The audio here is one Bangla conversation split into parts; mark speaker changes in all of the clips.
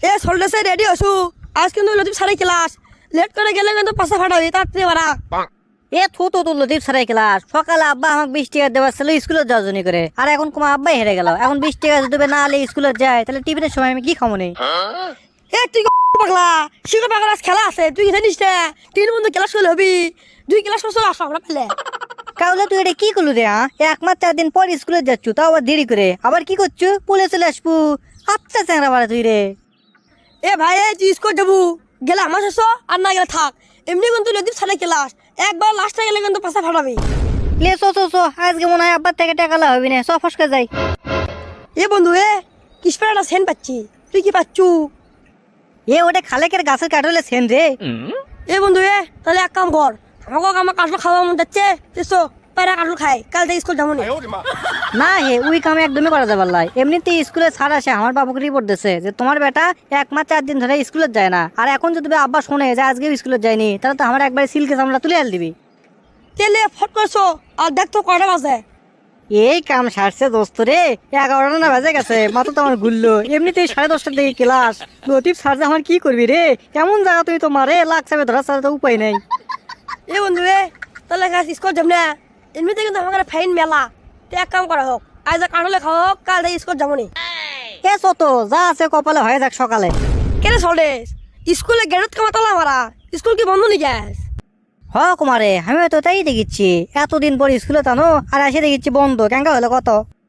Speaker 1: এ সল্টেসে রেডি হসু আজ কিন্তু লতিফ সারাই ক্লাস লেট করে গেলে কিন্তু পাশা ফাটাবি তাড়াতাড়ি বাড়া।
Speaker 2: এ থুতো তো লতিফ সারাই ক্লাস। সকালে আব্বা আমাকে 20 টাকা দেওয়ার ছিল স্কুলে যাওয়ার জন্য করে, আর এখন তোমার আব্বাই হেরে গেল। এখন 20 টাকা যদি দেবে না হলে স্কুলে যায়, তাহলে টিফিনের সময় আমি কি খাবো নেই?
Speaker 1: এ তুই পাগলা শিখে পাগলা আজ খেলা আছে তুই জানিস না? 3 বন্ধু ক্লাস করলে হবি 2 ক্লাস করছো আসো আমরা পেলে।
Speaker 2: কাউলে তুই এটা কি করলু রে? এক মাস 4 দিন পর স্কুলে যাচ্ছু, তাও আবার দেরি করে। আবার কি করছু? পুলে চলে আসবো। আচ্ছা চ্যাংরা বাড়া তুই রে।
Speaker 1: এ ভাই তুই স্কুল যাবো গেলে আমার শেষ আর না গেলে থাক। এমনি কিন্তু লতিফ সারাই ক্লাস একবার লাস্টে গেলে কিন্তু পাশা ফাটাবি।
Speaker 2: লে চো আজকে মনে হয় আব্বার থেকে টাকা লাভ হবি না। সব ফসকে যাই।
Speaker 1: এ বন্ধু এ কিসপের একটা সেন পাচ্ছি তুই কি পাচ্ছু?
Speaker 2: এ ওটা খালেকের গাছের কাঠলে সেন রে।
Speaker 1: এ বন্ধু এ তাহলে এক কাম কর আমাকে আমার কাঠল খাওয়া মন যাচ্ছে এসো পায়রা কাঠল খাই কাল থেকে স্কুল যাবো না।
Speaker 2: না হে ওই কাম একদমই করা যাবে লাই। এমনিতে স্কুলে ছাড় আসে, আমার বাবুকে রিপোর্ট দিচ্ছে যে তোমার বেটা 1 মাস 4 দিন ধরে স্কুলে যায় না। আর এখন যদি আব্বা শোনে যে আজকে স্কুলে যায়নি, তাহলে তো আমার একবার সিলকে চামড়া তুলে আল দিবি।
Speaker 1: তেলে ফট করছো আর দেখ তো কটা বাজে।
Speaker 2: এই কাম সারছে দোস্ত রে, 11টা না বাজে গেছে। মাত্র তো আমার ঘুরলো। এমনিতেই 10:30টার দিকে ক্লাস। লতিফ সারছে আমার কি করবি রে? কেমন জায়গা তুই তো মারে লাগছে ধরা ছাড়া তো উপায় নাই।
Speaker 1: এ বন্ধু এ তাহলে স্কুল যাব না এমনিতে কিন্তু আমার ফাইন মেলা। তো এক কাম করা হোক আজ কাঠলে খাওয়া হোক কাল থেকে স্কুল যাবো না।
Speaker 2: এ চত যা আছে কপালে হয়ে যাক সকালে।
Speaker 1: কেন চলে স্কুলে গেরত কামা তালা মারা স্কুল কি বন্ধ নাকি আজ?
Speaker 2: হ কুমারে আমি তো তাই দেখিচ্ছি। এতদিন পর স্কুলে টানো আর এসে দেখিচ্ছি বন্ধ। কেঙ্কা হলো কত?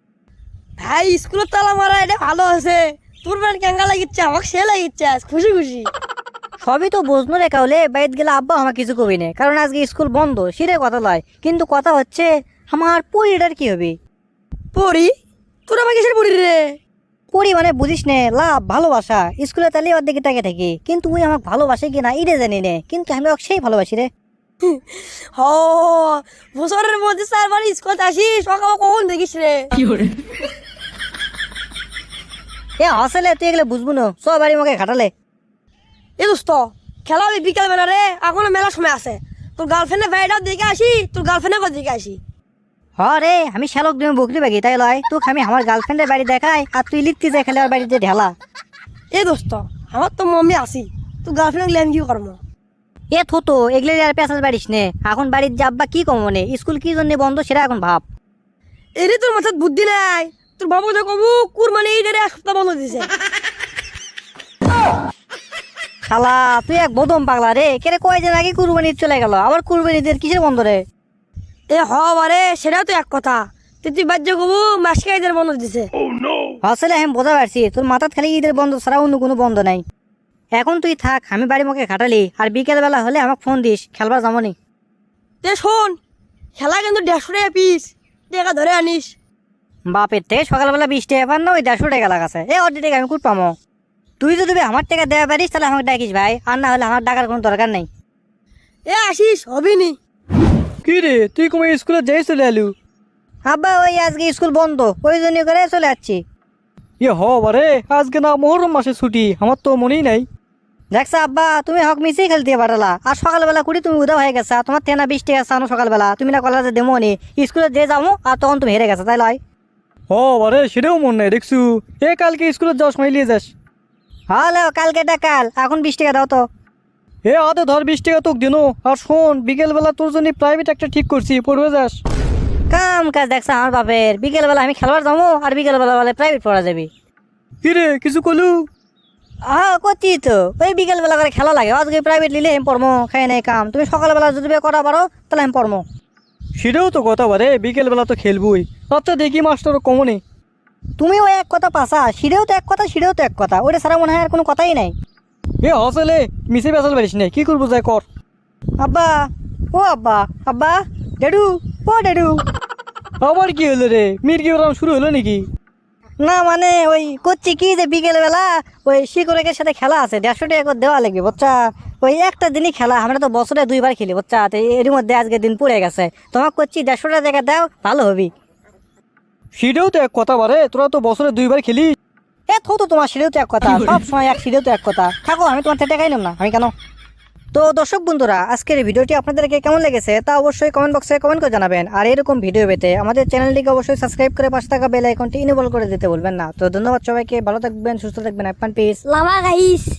Speaker 1: ভাই স্কুলের তালা মারা এটা ভালো আছে। তোর ব্যান কেঙ্গা লাগিচ্ছে আমাকে সে লাগিচ্ছে আজ খুশি খুশি।
Speaker 2: সবই তো বুঝনো রেখা হলে বাইরে গেলে আব্বা আমার কিছু কবি না, কারণ আজকে স্কুল বন্ধ। সেটাই কথা লয়, কিন্তু কথা হচ্ছে আমার পরিটার কি হবে?
Speaker 1: পড়ি তোর আমার কিসের পড়ি রে?
Speaker 2: পরি মানে বুঝিস নে লাভ ভালোবাসা। স্কুলে তাহলে ওর দিকে তাকে থাকি, কিন্তু ওই আমাকে ভালোবাসে কিনা এটা জানি নে, কিন্তু আমি ওকে সেই ভালোবাসি রে।
Speaker 1: হ বছরের মধ্যে 4 বার স্কুল আসিস সকাল কখন দেখিস রে?
Speaker 2: এ হসলে তুই এগুলো বুঝবো না, সব বাড়ি আমাকে খাটালে।
Speaker 1: এ দোস্ত খেলা হবে বিকাল বেলা রে এখনো মেলা সময় আছে। তোর গার্লফ্রেন্ডের বাড়িটাও দেখে আসি তোর গার্লফ্রেন্ডের দেখে আসি।
Speaker 2: হ রে আমি শ্যালক তুমি বকরি বাগি তাই লয় তোকে আমি আমার গার্লফ্রেন্ডের বাড়ি দেখাই, আর তুই লিখতে যাই খেলে ওর বাড়িতে ঢেলা।
Speaker 1: এ দোস্ত আমার তো মম্মি আসি তোর গার্লফ্রেন্ড গেলে আমি কি করবো?
Speaker 2: এ থতো এগুলো আর পেঁচাল বাড়িস নে। এখন বাড়ির যাব্বা কি কম মনে, স্কুল কি জন্য বন্ধ সেটা এখন ভাব।
Speaker 1: এরে তোর মাথার বুদ্ধি নাই তোর বাবু যে কবু কুরবানি ঈদের 1 সপ্তাহ বন্ধ দিছে।
Speaker 2: শালা তুই এক বদম পাগলা রে। কেরে কয়দিন আগে কুরবানি ঈদ চলে গেল, আবার কুরবানি ঈদের কিসের বন্ধ রে?
Speaker 1: এ হবারে সেটাও তো এক কথা। তুই বাজ্য কবু মাসকে ঈদের বন্ধ দিছে।
Speaker 2: আসলে আমি বোঝা পারছি তোর মাথার খালি ঈদের বন্ধ ছাড়া অন্য কোনো বন্ধ নাই। এখন তুই থাক, আমি বাড়ি মুখে খাটালি, আর বিকেল বেলা হলে আমাকে ফোন দিস, খেলবার যাবনি।
Speaker 1: তে শোন খেলা কিন্তু 150 টাকা পিস টাকা ধরে আনিস।
Speaker 2: বাপের থেকে সকালবেলা 20 টাকা পান না, ওই 150 টাকা লাগাছে। এ অর্ধেক টাকা আমি কুট পামো? তুই যদি আমার টাকা দেওয়া পারিস তাহলে আমাকে ডাকিস ভাই, আর না হলে আমার ডাকার কোনো দরকার নেই।
Speaker 1: এ আসিস হবিনি।
Speaker 3: কি রে তুই কোন স্কুলে যাই চলে এলু?
Speaker 2: আব্বা ওই আজকে স্কুল বন্ধ, ওই জন্য করে চলে যাচ্ছি।
Speaker 3: হ বারে আজকে না মোহরম মাসে ছুটি, আমার তো মনেই নাই।
Speaker 2: দেখছো আব্বা তুমি হক মিশিয়ে খেলতে পাঠালা, আর সকালবেলা কুড়ি তুমি উদা হয়ে গেছা। তোমার তেনা 20 টাকা চানো সকালবেলা, তুমি না কলেজে দেবো নি স্কুলে যে যাবো, আর তখন তুমি হেরে গেছো তাই লয়।
Speaker 3: বারে সেটাও মন নাই দেখছু। এ কালকে স্কুলে যাওয়ার সময় নিয়ে যাস।
Speaker 2: হ্যালো কালকে কাল এখন 20 টাকা দাও তো।
Speaker 3: এ আদে ধর 20 টাকা তোকে দিনো। আর শোন বিকেলবেলা তোর জন্য প্রাইভেট একটা ঠিক করছি, পড়বে যাস।
Speaker 2: কাম কাজ দেখছো আমার বাপের, বিকেল বেলা আমি খেলবার যাবো আর বিকেল বেলা বলে প্রাইভেট পড়া যাবি।
Speaker 3: কি রে কিছু কলু?
Speaker 2: হ্যাঁ করছি তো, ওই বিকেল বেলা করে খেলা লাগে। আজকে প্রাইভেট নিলে আমি পড়মো, খাই নাই কাম। তুমি সকালবেলা যদি করা পারো তাহলে আমি পড়মো।
Speaker 3: সেটাও তো কথা বারে, বিকেলবেলা তো খেলবই। আচ্ছা দেখি মাস্টার কমনে।
Speaker 2: তুমি ওই এক কথা পাসা, সিঁড়েও তো এক কথা সিঁড়েও তো এক কথা, ওটা ছাড়া মনে হয় আর কোনো কথাই নাই।
Speaker 3: এ হসলে মিশে বেসাল পারিস না, কি করবো যাই কর।
Speaker 2: আব্বা ও আব্বা, আব্বা ডেডু ও ডেডু।
Speaker 3: আবার কি হলো রে, মির্গি ওরাম শুরু হলো নাকি?
Speaker 2: না মানে ওই করছি কি যে বিকেল বেলা ওই শিকড়ের সাথে খেলা আছে, 150 টাকা করে দেওয়া লাগবে বাচ্চা। ওই একটা দিনই খেলা, আমরা তো বছরে 2 বার খেলি বাচ্চা। তো এর মধ্যে আজকে দিন পড়ে গেছে, তোমাকে করছি 150 টাকা দাও ভালো হবি।
Speaker 3: সেটাও তো এক কথা বারে, তোরা তো বছরে 2 বার খেলিস।
Speaker 2: এ তো তোমার সিঁড়েও তো এক কথা, সব সময় এক সিঁড়েও তো এক কথা। থাকো আমি তোমার থেকে টাকাই নেব না, আমি কেন? তো দর্শক বন্ধুরা, আজকের এই ভিডিওটি আপনাদেরকে কেমন লেগেছে তা অবশ্যই কমেন্ট বক্সে কমেন্ট করে জানাবেন। আর এরকম ভিডিও পেতে আমাদের চ্যানেলটিকে অবশ্যই সাবস্ক্রাইব করে পাশে থাকা বেল আইকনটি ইনেবল করে দিতে ভুলবেন না। তো ধন্যবাদ সবাইকে, ভালো থাকবেন, সুস্থ থাকবেন, আপনার পিস।
Speaker 1: Lava guys.